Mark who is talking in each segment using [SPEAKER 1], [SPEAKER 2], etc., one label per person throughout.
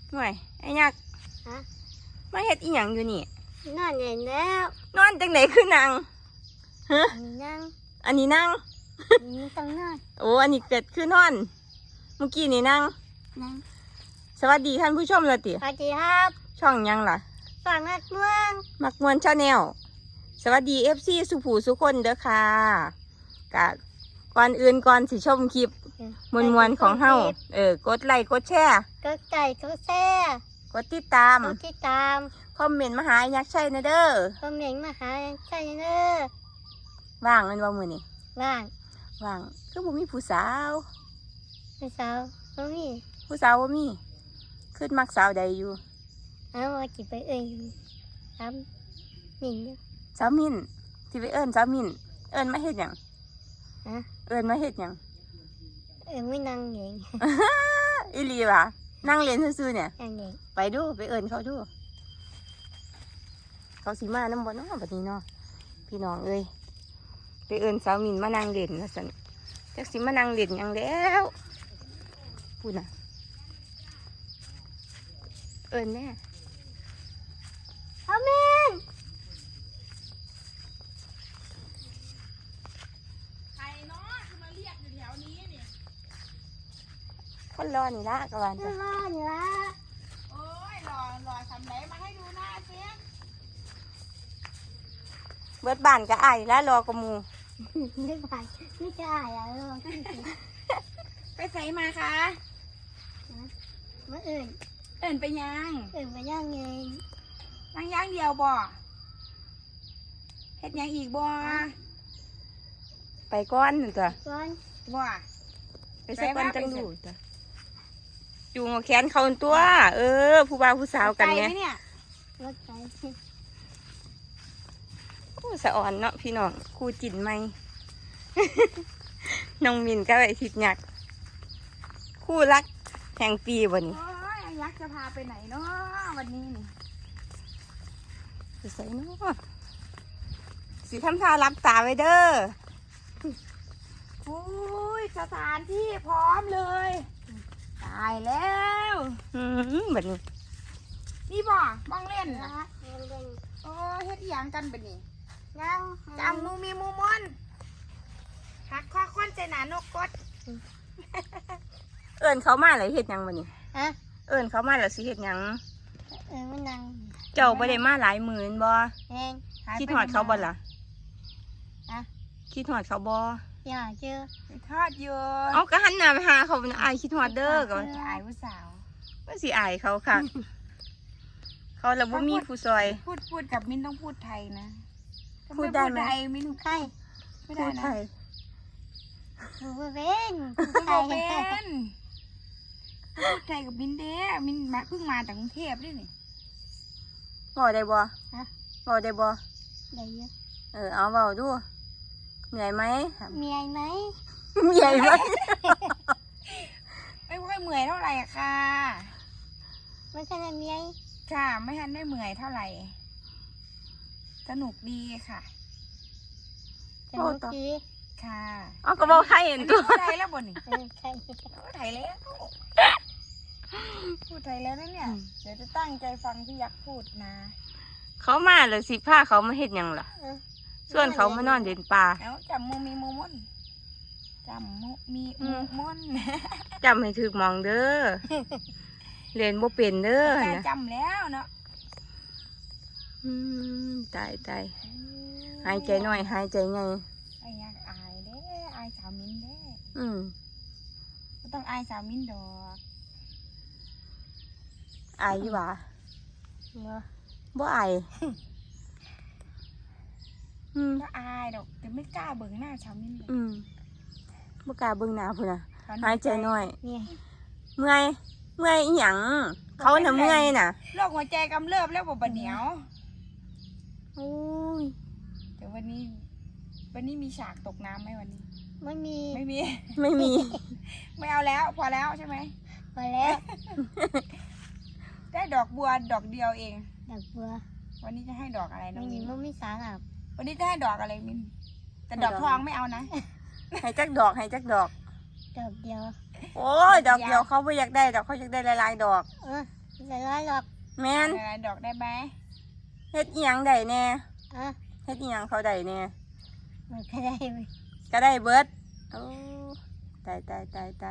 [SPEAKER 1] หน่วยไอ้ยักษ์
[SPEAKER 2] ฮะ
[SPEAKER 1] มาเฮ็ดอีหยังอยู่นี่
[SPEAKER 2] นอนเย็นแล้ว
[SPEAKER 1] นอนจังไหนคือนั่งฮะ
[SPEAKER 2] มีนั่ง
[SPEAKER 1] อันนี้นั่ง
[SPEAKER 2] มีต้องนอน
[SPEAKER 1] โอ้อันนี้เกิดคือนอน เมื่อกี้นี่นั่ง
[SPEAKER 2] นั่ง
[SPEAKER 1] สวัสดีท่านผู้ชมเลยติ
[SPEAKER 2] สวัสดีครับ
[SPEAKER 1] ช่องหยังล่ะ
[SPEAKER 2] ฝั่งนักเมือง
[SPEAKER 1] มักมวนชาแนลสวัสดี FC สุผูสุคนเด้อค่ะกะก่อนอื่นก่อนสิชมคลิปมวนๆของเฮากดไลค์กดแชร์
[SPEAKER 2] ก็ไก่ก็แซ่
[SPEAKER 1] กดติดตาม
[SPEAKER 2] ก็ที่ตาม
[SPEAKER 1] คอมเมนต์มาหายักษ์ชัยนะเด้อ
[SPEAKER 2] ก็เหม่งมาหาใช่เด้อ
[SPEAKER 1] ว่างแมันว่ามื้อนี้
[SPEAKER 2] ว่าง
[SPEAKER 1] ว่างคือบ่มีผู้สาว
[SPEAKER 2] พี่สาวก็มี
[SPEAKER 1] ผู้สาวบ่มีขึ้นมักสาวใดอยู่
[SPEAKER 2] เอามาจิบไปเอ้ยทำหนิงอยู่
[SPEAKER 1] สาวมินสิไปเอิ้นสาวมินเอิ้นมาเฮ็ดหยัง
[SPEAKER 2] ฮะ
[SPEAKER 1] เอิ้นมาเฮ็ดหยัง
[SPEAKER 2] ไม่นั่งเอง
[SPEAKER 1] อีหลีว่ะนั่งเรียนซื่อๆเนี่ย
[SPEAKER 2] นั่งเอง
[SPEAKER 1] ไปดูไปเอิ้นเขาดูเขาสิมานำบ่เนาะบัดนี้เนาะพี่น้องเอ้ยไปเอิ้นสาวมินมานั่งเล่นว่าซั่นจักสิมานั่งเล่นหยังแล้วพูดน่ะเอิ้นแน่
[SPEAKER 2] เอาเม่ง
[SPEAKER 3] ใครเนาะที่มาเรียกอยู่แถวนี้เนี่ย
[SPEAKER 1] คนรอนี่ละกะวัน
[SPEAKER 2] จะ
[SPEAKER 1] จ้ะ
[SPEAKER 2] รออยู่ละ
[SPEAKER 3] โอ้ยหล่อทำไหนมาให้ดูหน้าเสีย
[SPEAKER 1] เบิดบ้านก็อายแล้วรอกระหมู
[SPEAKER 2] ไม่ไปไม่กล้าอย่าลอง
[SPEAKER 3] ไปใส่มาคะ
[SPEAKER 2] มาเอื่น
[SPEAKER 3] เอิ่นไปยัง
[SPEAKER 2] ไปย่างเอง
[SPEAKER 3] นั่งย่างเดียวบ่เฮ็ดหยังอีกบ่
[SPEAKER 1] ไปก้อนนั่นจ้ะ
[SPEAKER 2] ก่อน
[SPEAKER 3] บ่
[SPEAKER 1] ไปสักวันจังดูจ้ะจูงเอาแขนเขาตัว ผู้บ่าวผู้สาวกัน
[SPEAKER 3] ไกล
[SPEAKER 1] ไง
[SPEAKER 3] ไหมเนี่ย
[SPEAKER 2] รถไฟ
[SPEAKER 1] โอ้สะอ่อนเนาะพี่น้องครูจินไหม น้องมินก็ไปทิดหยักคู่รักแห่งปีวันนี้
[SPEAKER 3] โอ้ยยักษ์จะพาไปไหนเนาะวันนี้นี่
[SPEAKER 1] ไปใส่เนาะสิทำท่ารับตาไว้เด้อ
[SPEAKER 3] โอ้ยสถานที่พร้อมเลยตายแล้ว
[SPEAKER 1] แบบนี้
[SPEAKER 3] นี่บ่มองเล่น
[SPEAKER 2] นะ
[SPEAKER 3] นะโอ้ยเฮ็ดอีหยังกันบัดนี้
[SPEAKER 2] นั่ง
[SPEAKER 3] จำมูมีมูมอนหักข้อค้อนใจหนานกกด
[SPEAKER 1] เอิญเขามาเลยเฮ็ดหยังวันนี้
[SPEAKER 2] ฮะ
[SPEAKER 1] เอิญเขามาแล้วสิเฮ็ดหยัง
[SPEAKER 2] ไม่นั่ง
[SPEAKER 1] เจ้าบ่ได้มาหลายหมื่นบ่
[SPEAKER 2] เอง
[SPEAKER 1] คิดหอดเขาบ่ล่ะ
[SPEAKER 2] อะ
[SPEAKER 1] คิดหอดเขาบ่
[SPEAKER 2] อย่าเจอ
[SPEAKER 3] ไปทอดอยู่
[SPEAKER 1] เอาก็หันหน้าไปหาเขาอายคิดหอดเด้อก็
[SPEAKER 3] จะอายผู้สาว
[SPEAKER 1] ว่าสิอายเขาค่ะ เขาแล้วบ่มีผู้ซอย
[SPEAKER 3] พูดกับมินต้องพูดไทยนะ
[SPEAKER 1] พูดได้ไหม
[SPEAKER 3] ถ้าพูทยมิน
[SPEAKER 2] ใคร
[SPEAKER 3] ไม่ได้
[SPEAKER 1] พูดไท
[SPEAKER 3] นะ
[SPEAKER 1] ย
[SPEAKER 2] ผู้เป็น
[SPEAKER 3] พูดบ่เป็นพูดไทยกับมินเด้มินมาเพิ่งมาจากกรุงเทพด้วยนี่
[SPEAKER 1] บ่ได้บ่บ่ได้บ่
[SPEAKER 2] ได้เยอะ
[SPEAKER 1] เอาเว้าดูเหนื่อยไหม
[SPEAKER 2] มีอะไรไหม
[SPEAKER 1] เหนื่อยไหม
[SPEAKER 3] ไม่ค่อยเมื่อยเท่าไหร่อะค่ะ
[SPEAKER 2] มันขนาดมีอะไร
[SPEAKER 3] ค่ะ ไม่ทันได้เมื่อยเท่าไหร่ สนุกดีค่ะ
[SPEAKER 2] จะรู้ดี
[SPEAKER 3] ค่ะ
[SPEAKER 1] เอาก็บอกให้เห็นตัว
[SPEAKER 3] พูดไทยแล้วบ่นี่
[SPEAKER 2] ใคร
[SPEAKER 3] พูดไทยแล้วพูดไทยแล้วนะเนี่ยเดี๋ยวจะตั้งใจฟังพี่ยักษ์พูดนะ
[SPEAKER 1] เขามาเลยสิพาเขามาเฮ็ดหยังล่ะ ส่วนเขามานอนเด่นป่า
[SPEAKER 3] เอาจำมูมีมูมอนจำมูมีมูมอน
[SPEAKER 1] จำให้ถึกหมองเด้อเรียนบ่เป็นเด้อ
[SPEAKER 3] แต่
[SPEAKER 1] นะ
[SPEAKER 3] จำแล้วเนาะ
[SPEAKER 1] ตายหายใจหน่อยหายใจไง
[SPEAKER 3] ไอ้ยักษ์อายเด้อายสาวมินเด้ ไม่ต้องอายสาวมินดอก
[SPEAKER 1] อายอยู่หวะ
[SPEAKER 2] เนาะ
[SPEAKER 1] บ่อาย
[SPEAKER 3] ก็อายดอกแต่ไม่กล้าเบิ่งหน้าสาวมินเลย
[SPEAKER 1] บ่กล้าเบิ่งหน้าพุ่นน่ะหายใจหน่อย
[SPEAKER 2] เนี่ย
[SPEAKER 1] เมื่อยอีหยังเขาน่ะเมื่อยน่ะ
[SPEAKER 3] โรคหัวใจกำเริบแล้วบ่บะเหนียว
[SPEAKER 1] โอ้ย
[SPEAKER 3] เดี๋ยววันนี้มีฉากตกน้ำไหมวันนี้
[SPEAKER 2] ไม่มี
[SPEAKER 3] ไม่มี
[SPEAKER 1] ไม่มี
[SPEAKER 3] ไม่เอาแล้วพอแล้วใช่ไหม
[SPEAKER 2] พอแล้ว
[SPEAKER 3] ได้ดอกบัวดอกเดียวเอง
[SPEAKER 2] ดอกบัว
[SPEAKER 3] วันนี้จะให้ดอกอะไรน้อ
[SPEAKER 2] ไม่
[SPEAKER 3] ง
[SPEAKER 2] มี
[SPEAKER 3] มิน
[SPEAKER 2] มันไม่สาหรับ
[SPEAKER 3] วันนี้จะให้ดอกอะไรมินแต่ดอกทองไม่เอานะ
[SPEAKER 1] ให้จักดอกให้จักดอก
[SPEAKER 2] ดอกเดียว
[SPEAKER 1] โอ้ยดอกเดียวเขาไม่อยากได้ดอกเขาอยากได้หลายๆดอก
[SPEAKER 2] เออจะร้อยหรอก
[SPEAKER 1] แม่น
[SPEAKER 3] อะไรดอกได้ไหม
[SPEAKER 1] เฮ็ดอีหยังได้แน่
[SPEAKER 2] อ่ะ
[SPEAKER 1] เฮ็ดอีหยังเขาได้แน่
[SPEAKER 2] มันก็ได้ไหม
[SPEAKER 1] ก็ได้เบิดโอ้ตายก็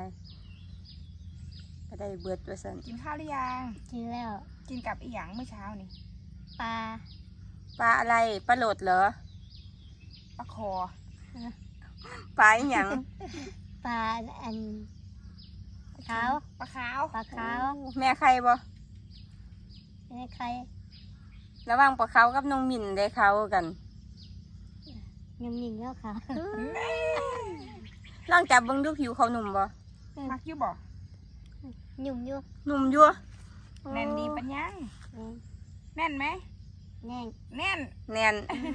[SPEAKER 1] ได้เบิดว่าซั่น
[SPEAKER 3] กินข้าวหรือยัง
[SPEAKER 2] กินแล้ว
[SPEAKER 3] กินกับอีหยังเมื่อเช้านี่
[SPEAKER 2] ปลา
[SPEAKER 1] ปลาอะไรปลาโหลดเหรอ
[SPEAKER 3] ปลาคอ
[SPEAKER 1] ปลาอีหยัง
[SPEAKER 2] ปลาอันขาว
[SPEAKER 3] ปลาขาว
[SPEAKER 2] ปลาขาว
[SPEAKER 1] แม่ใครบ่
[SPEAKER 2] นี่ใคร
[SPEAKER 1] ระหว่างปลาเขากับน้องมินได้เขากัน
[SPEAKER 2] ยังหนิงแล้วค่ะ
[SPEAKER 1] ลองจับเบิ่งดูผิวเขาหนุ่มบ่
[SPEAKER 3] มักอยู่บ่
[SPEAKER 2] หยุ่มอยู่
[SPEAKER 1] หนุ่มอยู่
[SPEAKER 3] แน่นดีปัญญังแน่นไหม
[SPEAKER 2] แน่ง
[SPEAKER 3] แน่น
[SPEAKER 1] แน่น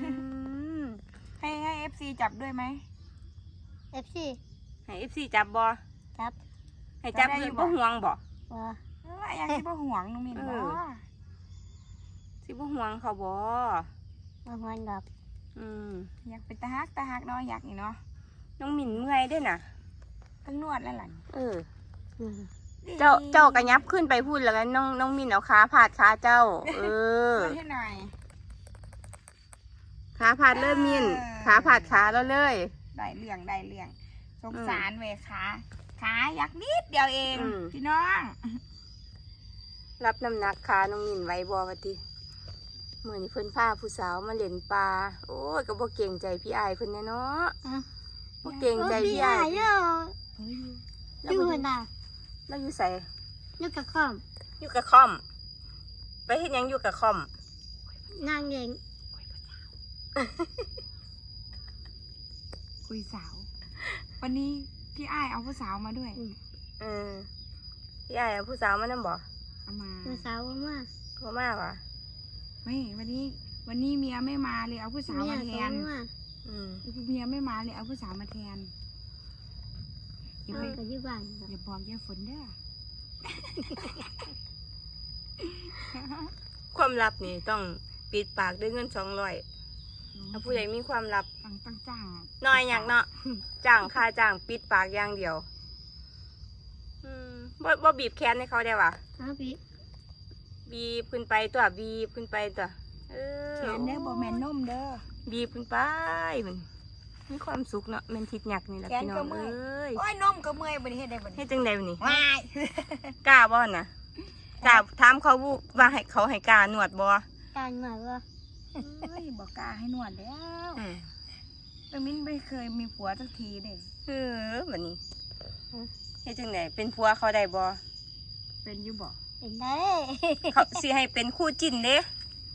[SPEAKER 3] ให้เอฟซีจับด้วยไหม
[SPEAKER 2] เอฟซี
[SPEAKER 1] ให้ FC จับบ่
[SPEAKER 2] จับ
[SPEAKER 1] ให้จับ
[SPEAKER 3] จับได้
[SPEAKER 1] คือ
[SPEAKER 3] บ่
[SPEAKER 1] บ่ห่วงบ่
[SPEAKER 2] ว่า
[SPEAKER 3] อยากที่บ่ห่วงน้องมินบ่
[SPEAKER 1] สิบ่ห่วงเขาบ่
[SPEAKER 2] มาหวนดอก
[SPEAKER 1] อืม
[SPEAKER 3] อยากเป็นตาฮักเนาะอยากนี่เนาะ
[SPEAKER 1] น้องมินเมื่อยเด้น่ะ
[SPEAKER 3] ต้องนวดแล้วล่ะ
[SPEAKER 1] เออ
[SPEAKER 2] อืม
[SPEAKER 1] เจ้ากระยับขึ้นไปพูดแล้วกันน้องมินเอาขาพาดขาเจ้า เออน
[SPEAKER 3] วดให้หน่อย
[SPEAKER 1] ขาพาดเริ่มมินขาพาดขาแล้วเลย
[SPEAKER 3] ได้เรื่องสงสารเวยขาอยากนิดเดียวเองพี่น้อง
[SPEAKER 1] รับน้ำหนักขาน้องมินไว้บ่วะติมื้อนี้เพิ่นพาผู้สาวมาเล่นปลาโอ้ยก็บ่เก่งใจพี่อายเพิ่นแน่เนาะ
[SPEAKER 2] อ่ะ
[SPEAKER 1] บ่เก่งใจพี่
[SPEAKER 2] ให
[SPEAKER 1] อา
[SPEAKER 2] ญ่
[SPEAKER 1] ย
[SPEAKER 2] เยอะ
[SPEAKER 1] แล้ว
[SPEAKER 2] อยู่
[SPEAKER 1] บ่
[SPEAKER 2] หัวหน้า
[SPEAKER 1] แล้วอยู่ไส
[SPEAKER 2] อยู่กับข้อม
[SPEAKER 1] อยู่กับคอม ไปเฮ็ดหยังอยู่กับคอม
[SPEAKER 2] นางเอง
[SPEAKER 3] คุยสาว วันนี้พี่อ้ายเอาผู้สาวมาด้วย
[SPEAKER 1] เออพี่อายเอาผู้สาวมานำบ่
[SPEAKER 3] เอามา
[SPEAKER 2] ตัวสาวมาก
[SPEAKER 1] บ่มาว่ะ
[SPEAKER 3] ไม่วันนี้เมียไม่มาเลยเอาผู้สาว
[SPEAKER 2] เมีย
[SPEAKER 3] มาแท
[SPEAKER 2] เขา
[SPEAKER 3] น
[SPEAKER 2] มาก
[SPEAKER 1] อืม
[SPEAKER 3] เมียไม่มาเลยเอาผู้สาวมาแทนอย่า
[SPEAKER 2] เอา
[SPEAKER 3] ไป
[SPEAKER 2] ก็อยู่บ้าน
[SPEAKER 3] อย่าบอกอย่าฝนเด้อ
[SPEAKER 1] ความลับนี่ต้องปิดปากด้วยเงิน200ถ้าผู้ใดมีความลับ
[SPEAKER 3] ตั้งจ้าง
[SPEAKER 1] น้อยอยากเนาะ จ้างค่าจ้างปิดปากอย่างเดียว บ่บีบแขนให้เขาได้วะ
[SPEAKER 2] เอาพี่
[SPEAKER 1] บีบขึ้นไปตัวบีบขึ้นไปตัวเออ
[SPEAKER 3] เขียนเด้อบ่แม่นนมเด้อ
[SPEAKER 1] บีบขึ้นไปมันมีความสุขเนาะแมันทิดหยักนี่แหละ
[SPEAKER 3] แขน
[SPEAKER 1] พี่น้
[SPEAKER 3] ก็
[SPEAKER 1] อง
[SPEAKER 3] เมื่
[SPEAKER 1] เอ
[SPEAKER 3] อย
[SPEAKER 1] ้ย
[SPEAKER 3] โอ้ยนมก็เมื่อยบ่นี้เฮ็ดได้บ่นี้
[SPEAKER 1] ให้จังใดวะนี่
[SPEAKER 3] ว้าย
[SPEAKER 1] กล้าบ่นะกล้าถามเขาบุว่าให้เขาให้กล้าหนวดบ่
[SPEAKER 2] การมาว่า
[SPEAKER 3] เฮ้ยบอกกล้าให้นวดแล้วแต่มิ้นไม่เคยมีผัวสักทีเด้
[SPEAKER 1] เออแบบนี้ให้จังใดเป็นผัวเขาได้บ่
[SPEAKER 3] เป็นอยู่บ่
[SPEAKER 2] เป็นได้
[SPEAKER 1] เขาสิให้เป็นคู่จิ้นเด้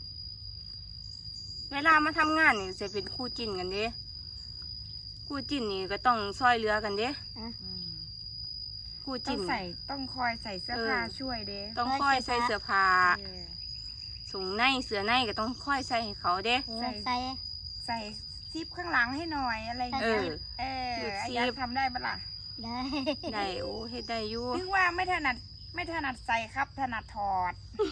[SPEAKER 1] เวลามาทำงานนี่จะเป็นคู่จิ้นกันเด้คู่จิ้นนี่ก็ต้องซอยเหลือกันเด้คู่
[SPEAKER 3] ต้อ
[SPEAKER 1] จิ้
[SPEAKER 3] ง
[SPEAKER 1] น
[SPEAKER 3] ต้องคอยใส่เสื้อผ้าช่วยเด้
[SPEAKER 1] ต้องค่อยใส่เสื้อผ้า
[SPEAKER 3] เออ
[SPEAKER 1] สูงในเสื้อในก็ต้องค่อยใส่ให้เขาเด้
[SPEAKER 2] ใส่ใส่
[SPEAKER 3] ใส่ซิปข้างหลังให้หน่อยอะไรอย่าง
[SPEAKER 1] เอ
[SPEAKER 3] เงี้ย
[SPEAKER 1] อ
[SPEAKER 3] เออ
[SPEAKER 1] ซิป
[SPEAKER 3] ไอ้ยักษ์ทำได้ปะล่ะ
[SPEAKER 2] ได้
[SPEAKER 1] ได้โอ้เฮ็ดได้อยู่
[SPEAKER 3] ถึงว่าไม่ถนัดใส่ครับถนัดถอด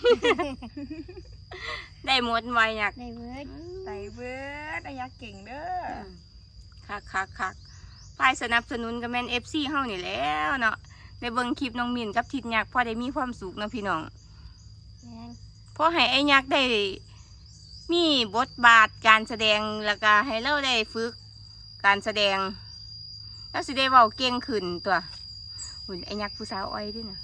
[SPEAKER 1] ได้หมดไวอยาก
[SPEAKER 2] ได้เบิด
[SPEAKER 3] ใส่เบิร์ดไอ้ยักษ์เก่งเด้อ
[SPEAKER 1] คักฝ่ายสนับสนุนก็แม่น FC เฮานี่แหล้วเนาะได้เบิ่งคลิปน้องมินกับทิดยักษ์พอได้มีความสุขเนาะพี่น้อง
[SPEAKER 2] แม่ง
[SPEAKER 1] พอให้ไอ้ยักษ์ได้มีบทบาทการแสดงแล้วก็ให้เราได้ฝึกการแสดงแล้วสิได้เว้าเก่งขึ้นตัวหุ่นไอ้ยักษ์ผู้สาวอ้อยด้วยนะ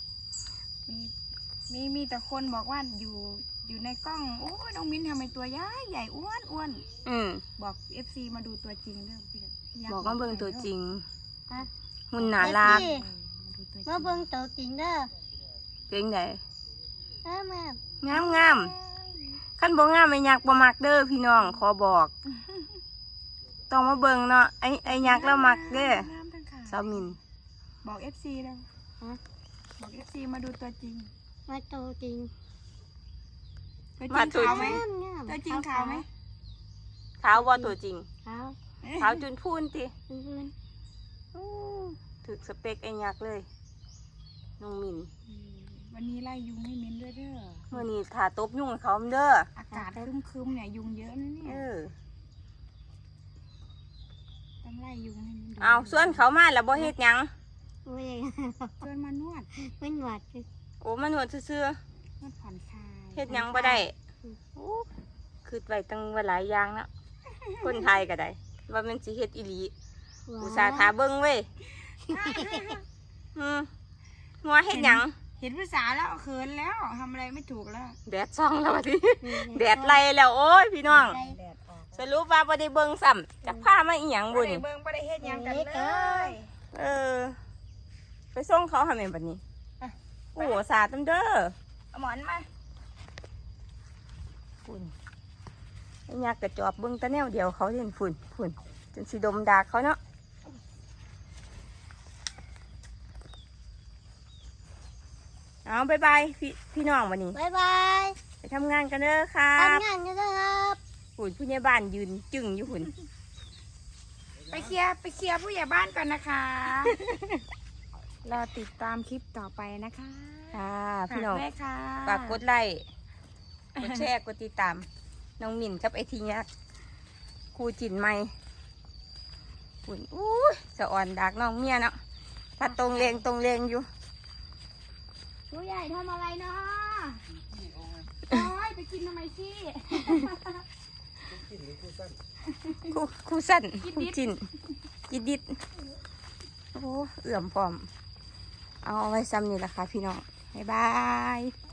[SPEAKER 3] มีแต่คนบอกว่าอยู่ในกล้องโอ้ยน้องมิ้นทำไมตัวใหญ่อ้วน
[SPEAKER 1] อืม
[SPEAKER 3] บอก FC มาดูตัวจริงเด้อพี่ยัษ์
[SPEAKER 1] บอกว่าเบิ่งตัวจริง
[SPEAKER 2] ฮะ
[SPEAKER 1] หุ่นน่ารัก
[SPEAKER 2] เอฟซี
[SPEAKER 3] มาดูตัวจริง
[SPEAKER 2] มาเบิ่งตัวจริงเด้อ
[SPEAKER 1] เป็นไง
[SPEAKER 2] มา
[SPEAKER 1] งามขั้นบ่งามไอ้ยักษ์บ่มักเด้อพี่น้องขอบอก ต้องมาเบิ่งเนาะไอ้ยักษ์แล้วมักเด้อ
[SPEAKER 3] น้ำทั้งขา
[SPEAKER 1] สาวมิน
[SPEAKER 3] บอก FC แล้ว
[SPEAKER 2] ฮะ
[SPEAKER 3] บอก FC มาดูตัวจริง
[SPEAKER 2] มาตัวจริง
[SPEAKER 3] ตัวจริงขาวไหม
[SPEAKER 2] งาม
[SPEAKER 3] ตัวจริงขาวไหม
[SPEAKER 1] ขาวบ่ตัวจริง
[SPEAKER 2] ขาว
[SPEAKER 1] ขาวจนพูนติ
[SPEAKER 2] พื้น
[SPEAKER 1] ถึกสเปคไอ้ยักษ์เลยน้องมิน
[SPEAKER 3] วันนี้ไล่ยุงให้มิ้นด้วยเด้อ
[SPEAKER 1] เมื่อนี้ถาตบยุ่งให้เขาเด้อ
[SPEAKER 3] อากาศครึ้มๆเนี่ยยุงเยอะนะเนี่
[SPEAKER 1] เอย อ
[SPEAKER 3] ต้องไล่ยุงให้มิ้นดู
[SPEAKER 1] เอาส่วนเขามาแล้วบ่เฮ็ดหยัง
[SPEAKER 2] โอ้ย
[SPEAKER 3] ชวนมานวด
[SPEAKER 2] มันหวาดคือ
[SPEAKER 1] โอ้มานวดซื่อ
[SPEAKER 3] มันผ่อนคลาย
[SPEAKER 1] เฮ็ดหยังบ่ได้โอ้คือไว้ตั้งว่าหลายอย่างเนาะคนไทยก็ได้ว่ามันสิเฮ็ดอีหลีอุตส่าห์ทาเบิ่งเว้ยงัวเฮ็ดหยัง
[SPEAKER 3] เห็นภาษาแล้วเขินแล้วทำอะไรไม่ถูกแล้ว
[SPEAKER 1] แดดส่องแล้วบัดนี้แดดไล่แล้วโอ้ยพี่น้อง
[SPEAKER 3] แดดออก
[SPEAKER 1] สรุปว่าบ่ได้เบิ่งซ้ำจักพามาอีหยัง
[SPEAKER 3] บ่
[SPEAKER 1] บุญ
[SPEAKER 3] ได้เบิ่งบ่ได้เฮ็ดหยังกันเลย
[SPEAKER 1] ไปส่งเขาทำไมบัดนี้โอ้สาดตำเด้อ
[SPEAKER 3] เอาหมอนมา
[SPEAKER 1] ฝุ่นไอ้ยักษ์กระจอบเบิ่งแตะแนวเดียวเขาเห็นฝุ่นจนสิดมดากเขาเนาะเอาบายบายพี่น้องวันนี้
[SPEAKER 2] บ๊ายบาย
[SPEAKER 1] ไปทำงานกันเด้อครั
[SPEAKER 2] ทำ
[SPEAKER 1] บ
[SPEAKER 2] งานกันนะครับ
[SPEAKER 1] ฝุ่นผู้ใหญ่บ้านยืนจึงอยู่ฝุ่น
[SPEAKER 3] ไปเคลียร์ผู้ใหญ่บ้านก่อนนะคะ รอติดตามคลิปต่อไปนะคะ
[SPEAKER 1] ค่ะพี่น้อง
[SPEAKER 3] ฝากด้วยค่ะ
[SPEAKER 1] ฝากกดไลค์กดแชร์กดติดตามน้องหมิ่นกับไอทียักษ์ครูจินไม่ฝุ่นอู้ยสะอ่อนดากน้องเมียเนาะถ้าตรงเลงอยู่
[SPEAKER 3] ผู้ใหญ่ทำอะไรเนาะโอ้ยไปกินทำไมซี่
[SPEAKER 1] ครูสั้นครูจินจิดดิดโอ้เอื่อมพร้อม เอาไว้ซ้ำนี่แหละค่ะพี่น้อง บ๊ายบาย